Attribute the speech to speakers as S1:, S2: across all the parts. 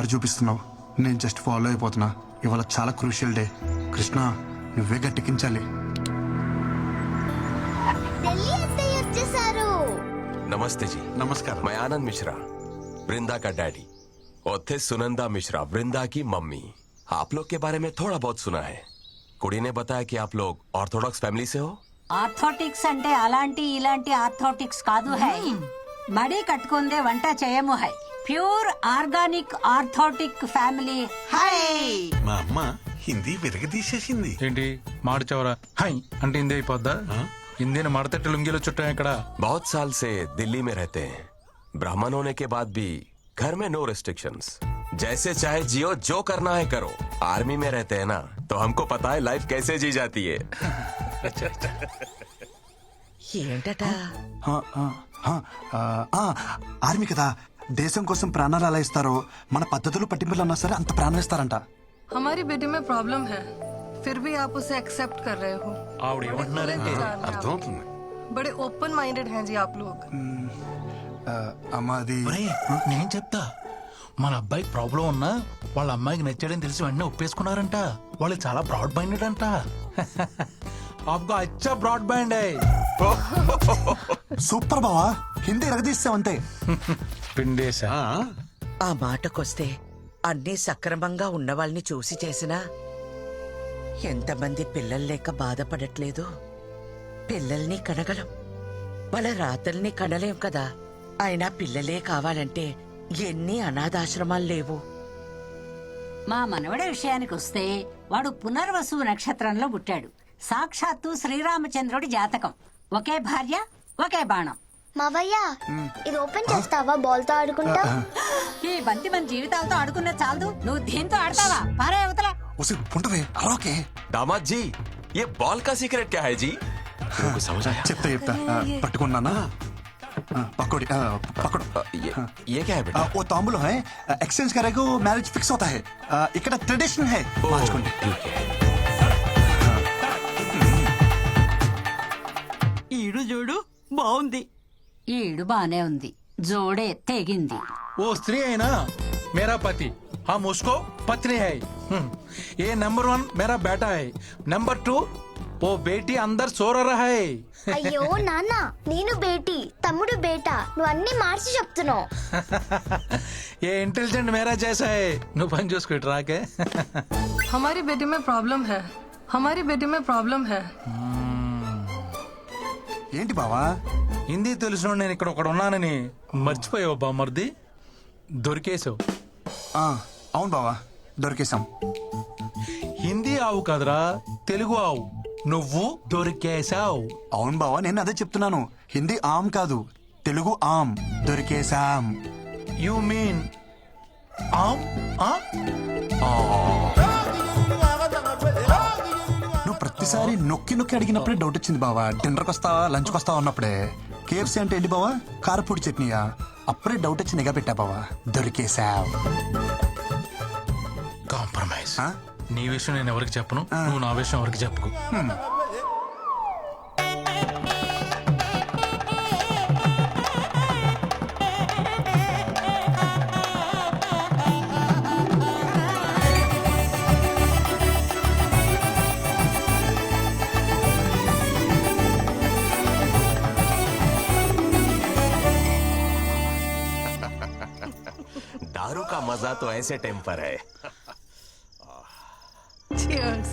S1: దారి చూపిస్తున్నావు, నేను just follow అయిపోతున్నా. ఇవాళ చాలా క్రూషియల్ డే. కృష్ణ, నువ్వే గట్టెక్కించాలి.
S2: ఢిల్లీ అత్తయ్య వచ్చేసారు.
S3: नमस्ते जी।
S1: नमस्कार।
S3: मैं आनंद मिश्रा, वृंदा का डैडी, और थे सुनंदा मिश्रा, वृंदा की मम्मी। आप लोग के बारे में थोड़ा बहुत सुना है। कुड़ी ने बताया कि आप लोग ऑर्थोडॉक्स फैमिली से हो।
S4: ఆర్థోటిక్స్ అంటే అలాంటి ఇలాంటి ఆర్థోటిక్స్ కాదు హై. మడి కట్టుకుందే వంట చేయము హై. ప్యూర్ ఆర్గానిక్ ఆర్థోటిక్ ఫ్యామిలీ హై.
S5: మా అమ్మ హిందీ విరగదీసేసింది.
S6: ఏంటి మాడిచవరా హై అంటే హిందీ అయిపోద్దా? హిందీని మడతట్టి లుంగిలో చుట్టాం ఇక్కడ.
S3: बहुत साल से दिल्ली में रहते हैं। ब्राह्मण होने के बाद भी घर में नो रिस्ट्रिक्शंस, जैसे चाहे जियो, जो करना है करो। आर्मी में रहते हैं ना, तो हमको पता है लाइफ कैसे जी जाती है।
S7: ఏంటట
S1: ఆర్మీ కదా, దేశం కోసం ప్రాణాలు ఎలా ఇస్తారో మన పద్ధతులు పట్టింపులు అన్నా సరే అంత ప్రాణం ఇస్తారంట.
S8: हमारी बेटी में प्रॉब्लम है, फिर भी आप उसे एक्सेप्ट कर रहे हो।
S6: ఆవిడ ఏమంటున్నారంటే
S5: అర్థమవుతుంది.
S8: बड़े ओपन माइंडेड हैं जी आप लोग।
S1: అమ్మా అది
S6: ఒరేయ్, నేను చెప్తా. మన అబ్బాయికి ప్రాబ్లం ఉన్నా వాళ్ళ అమ్మాయికి నచ్చాడని తెలిసి వెంటనే ఒప్పేసుకున్నారంట. వాళ్ళు చాలా బ్రాడ్ మైండెడ్ అంట. आपको अच्छा ब्रॉड बैंड है।
S1: సూపర్ బావా, హిందీ ఎరగదీస్తావంతే.
S6: పిండేశా.
S7: ఆ మాటకొస్తే అన్నీ సక్రమంగా ఉన్నవాళ్ళని చూసి చేసినా ఎంతమంది పిల్లలు లేక బాధపడట్లేదు. పిల్లల్ని కనగలం, వాళ్ళ రాతల్ని కనలేం కదా. అయినా పిల్లలే కావాలంటే ఎన్ని అనాథాశ్రమాలు లేవు.
S4: మా మనవడి విషయానికి వస్తే వాడు పునర్వసు నక్షత్రంలో పుట్టాడు. సాక్షాత్తు శ్రీరామచంద్రుడి జాతకం. ఒకే భార్య, ఒకే బాణం.
S2: మావయ్య, ఇది ఓపెన్ చేస్తావా? బాల్ తో ఆడుకుంటా.
S4: ఈ బంతి మన జీవితాలతో ఆడుకున్న చాలదు, నువ్వు దీంతో ఆడతావా? పారే అవతల.
S1: ఉసి పుంటవే అరవకే.
S3: दामाद जी, ये बॉल का सीक्रेट क्या है जी? को समझ आया?
S1: చెప్తా పట్టుకున్నానా? పకోడి పకోడు.
S3: ये क्या है बेटा?
S1: वो तांबूल है, एक्सचेंज करेगा मैरिज फिक्स होता है. ఇక్కడ ట్రెడిషన్ है. మార్చుకోండి.
S7: ఈడు చూడు బాగుంది.
S4: ఈడు బానే ఉంది, జోడే తెగింది.
S6: वो स्त्री है ना, मेरा पति, हम उसको पत्नी है. ये नंबर 1 मेरा बेटा है. नंबर 2 वो बेटी अंदर सो रहा है.
S2: అయ్యో నాన్న, నేను బేటీ, తమ్ముడు బేటా, నువ్వు అన్ని మార్చి చెప్తున్నావు.
S6: ये इंटेलिजेंट मेरा जैसा है. నువ్వు పని చూసుకో ఇటు రాకే.
S8: हमारी बेटी में प्रॉब्लम है, हमारी बेटी में प्रॉब्लम है।
S1: ఏంటి బావా?
S6: హిందీ తెలిసిన నేను ఇక్కడ ఒకడు ఉన్నానని మర్చిపోయావు బామ్మర్ది. దొరికేసావు.
S1: అవును బావా, దొరికేశాం.
S6: హిందీ ఆవు కదరా, తెలుగు ఆవు. నువ్వు దొరికేశావు.
S1: అవును బావా, నేను అదే చెప్తున్నాను. హిందీ ఆమ్ కాదు, తెలుగు ఆమ్. దొరికేశాం.
S6: యు మీన్ ఆమ్?
S1: నువ్వు ప్రతిసారి నొక్కి నొక్కి అడిగినప్పుడే డౌట్ వచ్చింది బావా. డిన్నర్కి వస్తావా, లంచ్కి వస్తావా అన్నప్పుడే. కేఎఫ్సీ అంటే ఏంటి బావా? కారపూడి చట్నీయా? అప్పుడే డౌట్ వచ్చి నిఘా పెట్టా బావా. దొరికేశావ్.
S6: కాంప్రమైజ్. నీ విషయం నేను ఎవరికి చెప్పను, నువ్వు నా విషయం ఎవరికి చెప్పుకో.
S3: दारू का मजा तो ऐसे टेम्पर है.
S8: Cheers.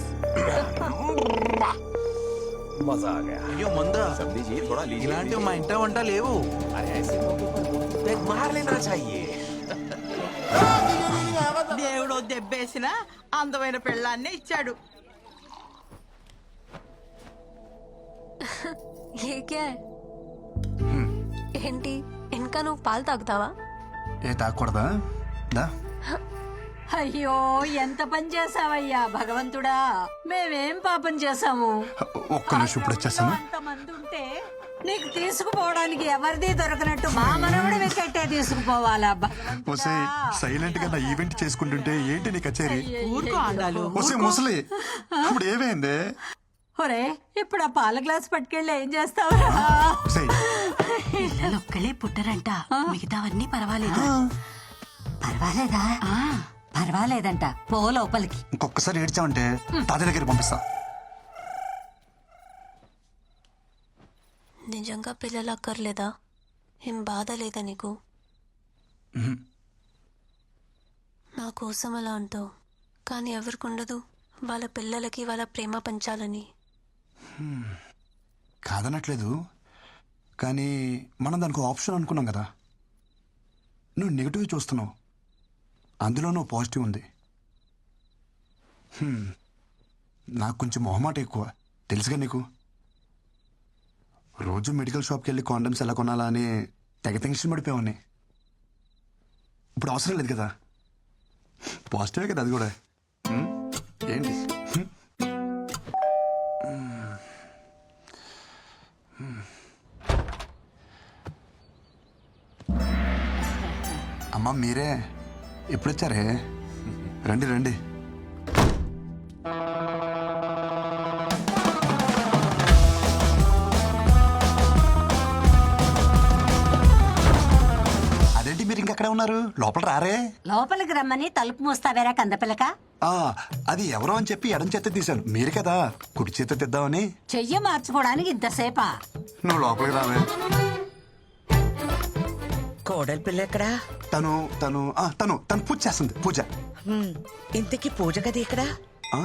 S3: मजा आ गया.
S6: అయ్యో మందా,
S3: सब लीजिए, थोड़ा लीजिए.
S6: ఇలాంటివి మా ఇంట వంట లేవు.
S3: अरे ऐसे मौके पर एक मार लेना चाहिए.
S7: దేవుడు దెబ్బేసిన అందమైన పెళ్ళాన్ని ఇచ్చాడు.
S9: ये क्या है? ఏంటి ఇంకా నువ్వు పాలు తాగుతావా?
S1: ఏ తాగకూడదా? దా.
S4: అయ్యో, ఎంత పని చేసావయ్యా భగవంతుడా. మేమేం పాపం చేసాము?
S1: ఒక్క నిమిషం, ఇప్పుడు వచ్చేస్తాను.
S4: అంతమంది ఉంటే నీకు తీసుకుపోవడానికి ఎవరిది దొరకనట్టు మా మనవడి వికెట్టే తీసుకుపోవాలా భగవంతుడా?
S1: సైలెంట్ గా నా ఈవెంట్ చేసుకుంటుంటే ఏంటి నీ కచేరీ?
S7: ఊరుకో ఆండాలు.
S1: ఒసే ముసలి, ఇప్పుడు ఏమైంది?
S4: ఒరే, ఇప్పుడు ఆ పాల గ్లాస్ పట్టుకెళ్ళి ఏం చేస్తావురా?
S1: ఒసేయ్,
S7: పిల్లలు ఒక్కలే పుట్టరంట, మిగతావన్నీ పర్వాలేదు.
S4: పర్వాలేదా పర్వాలేదంట పో లోపలికి.
S1: ఇంకొకసారి ఏడ్చామంటే తాతయ్య దగ్గరికి పంపిస్తా.
S9: నిజంగా పిల్లలు అక్కర్లేదా? ఏం బాధ లేదా నీకు? నా కోసం అలా అంటావు, కానీ ఎవరికి ఉండదు వాళ్ళ పిల్లలకి వాళ్ళ ప్రేమ పంచాలని.
S1: కాదనట్లేదు, కానీ మనం దానికి ఆప్షన్ అనుకున్నాం కదా. నువ్వు నెగిటివ్ చూస్తున్నావు, అందులో నువ్వు పాజిటివ్ ఉంది. నాకు కొంచెం మొహమాట ఎక్కువ, తెలుసుగా నీకు. రోజు మెడికల్ షాప్కి వెళ్ళి కాండమ్స్ ఎలా కొనాలా అని తెగ టెన్షన్ పడిపోయావని. ఇప్పుడు అవసరం లేదు కదా, పాజిటివే కదా అది కూడా. ఏంటి అమ్మా మీరే ఎప్పుడొచ్చారే? రండి రండి. అదేంటి మీరు ఇంకెక్కడే ఉన్నారు? లోపల రారే?
S4: లోపలికి రమ్మని తలుపు మూస్తావేరా కందపిల్లక.
S1: ఆ, అది ఎవరో అని చెప్పి ఎడం చేత తీశాను, మీరు కదా కుడి చేత తెద్దామని.
S4: చెయ్యి మార్చుకోవడానికి ఇంతసేపా?
S1: నువ్వు లోపలికి రావే.
S7: కోడలి పిల్ల ఎక్కడా?
S1: తను తను తను తను పూజ చేస్తుంది, పూజ.
S7: ఇంతకీ పూజ గది ఎక్కడా?
S1: ఆ,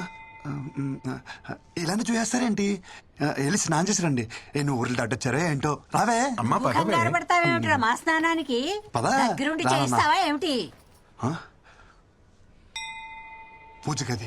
S1: ఇలానే చూసేస్తారేంటి? వెళ్ళి స్నానం చేసి రండి. నువ్వు ఊర్లు దాటొచ్చారే ఏంటో. రావే.
S5: అమ్మా పదవే.
S4: కంగారు పడతావేమిట్రా మా స్నానానికి?
S1: పద.
S4: దగ్గరుండి
S1: రా,
S4: చేయిస్తావా ఏమిటి?
S1: పూజ గది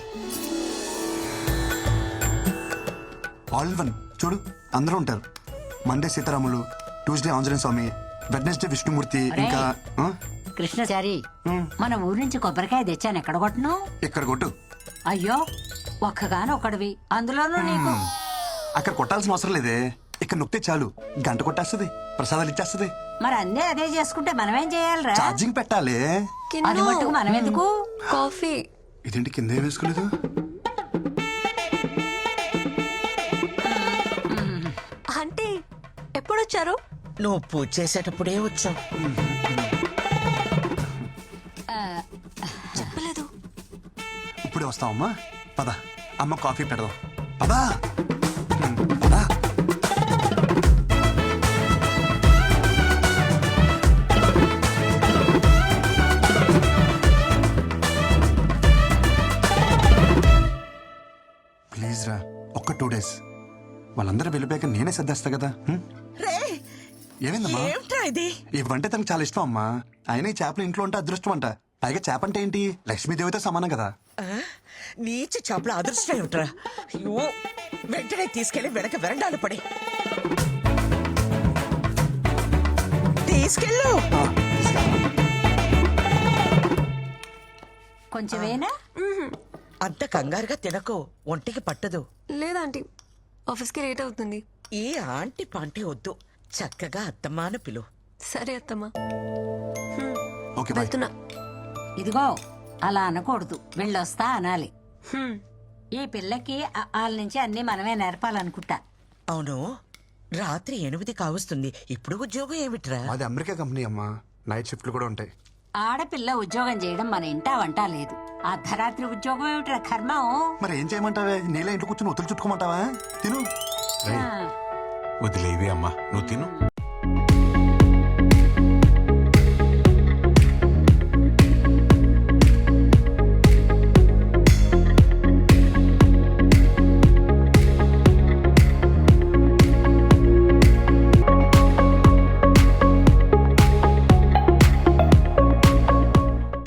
S1: ఆల్ వన్ చూడు, అందరూ ఉంటారు. మండే సీతారాములు, ట్యూస్డే ఆంజనేయ స్వామి, వెడ్నెస్డే విష్ణుమూర్తి, ఇంకా
S4: కృష్ణచారి మన ఊరి నుంచి కొబ్బరికాయ తెచ్చాను, ఎక్కడ కొట్టను?
S1: ఇక్కడ కొట్టు.
S4: అయ్యో ఒక్కగానొక్కడివి, అందులోనూ నీకు.
S1: అక్కడ కొట్టాల్సిన అవసరం లేదే, ఇక్కడ నొక్కితే చాలు గంట కొట్టేస్తుంది, ప్రసాదాలు ఇచ్చేస్తుంది.
S4: మరి అన్నీ అదే చేసుకుంటే మనమేం చేయాలిరా?
S1: ఛార్జింగ్ పెట్టాలి.
S4: అది మట్టుకు మనం ఎందుకు?
S9: కాఫీ.
S1: ఇదేంటి కింద ఏం వేసుకోలేదు?
S9: అంటే ఎప్పుడొచ్చారు?
S7: నువ్వు పూజ చేసేటప్పుడే వచ్చావు.
S9: చెప్పలేదు.
S1: ఇప్పుడే వస్తావమ్మా, పద. అమ్మ కాఫీ పెడదాం, పదా. పదా. ప్లీజ్ రా, ఒక్క 2 days. వాళ్ళందరూ వెళ్ళిపోయాక నేనే సర్దేస్తా కదా.
S7: రే,
S1: ఏమైందమ్మా?
S7: ఏమిట్రా ఇది?
S1: ఇవంటే తనకు చాలా ఇష్టం అమ్మా. అయినా ఈ చేపలు ఇంట్లో ఉంటే అదృష్టం అంట. పైగా చేప అంటే ఏంటి, లక్ష్మీదేవితో సమానం కదా.
S7: నీచి చేపల అదృష్టం ఏమిట్రా? అయ్యో, వెంటనే తీసుకెళ్లి వెనక వెరండాలు పడి తీసుకెళ్ళు.
S4: కొంచెమేనా?
S7: అంత కంగారుగా తినకు, ఒంటికి పట్టదు.
S9: లేదాంటీ, ఆఫీస్కి లేట్ అవుతుంది.
S7: ఈ ఆంటీ పాంటీ వద్దు, చక్కగా అత్తమ్మాను పిలు.
S9: సరే అత్తమ్మా,
S1: ఓకే బాయ్.
S9: వెళ్తున్నా.
S4: ఇదిగో అలా అనకూడదు, వెళ్ళొస్తా అనాలి.
S9: హ్మ్.
S4: ఈ పిల్లకి వాళ్ళ నుంచి అన్ని మనమే నేర్పాలనుకుంటా.
S7: అవును, రాత్రి 8 కావస్తుంది, ఇప్పుడు ఉద్యోగం ఏమిట్రా?
S1: అది అమెరికా కంపెనీ అమ్మా, నైట్ షిఫ్ట్లు కూడా ఉంటాయి.
S4: ఆడపిల్ల ఉద్యోగం చేయడం మన ఇంటా వంట లేదు. అర్ధరాత్రి ఉద్యోగం ఏమిట్రా కర్మం?
S1: మరి ఏం చేయమంటావే? నీళ్ళ ఇంట్లో కూర్చొని ఒత్తులు చుట్టుకోమంటావా? తిను.
S5: వదిలేవి అమ్మా, నువ్వు తిను.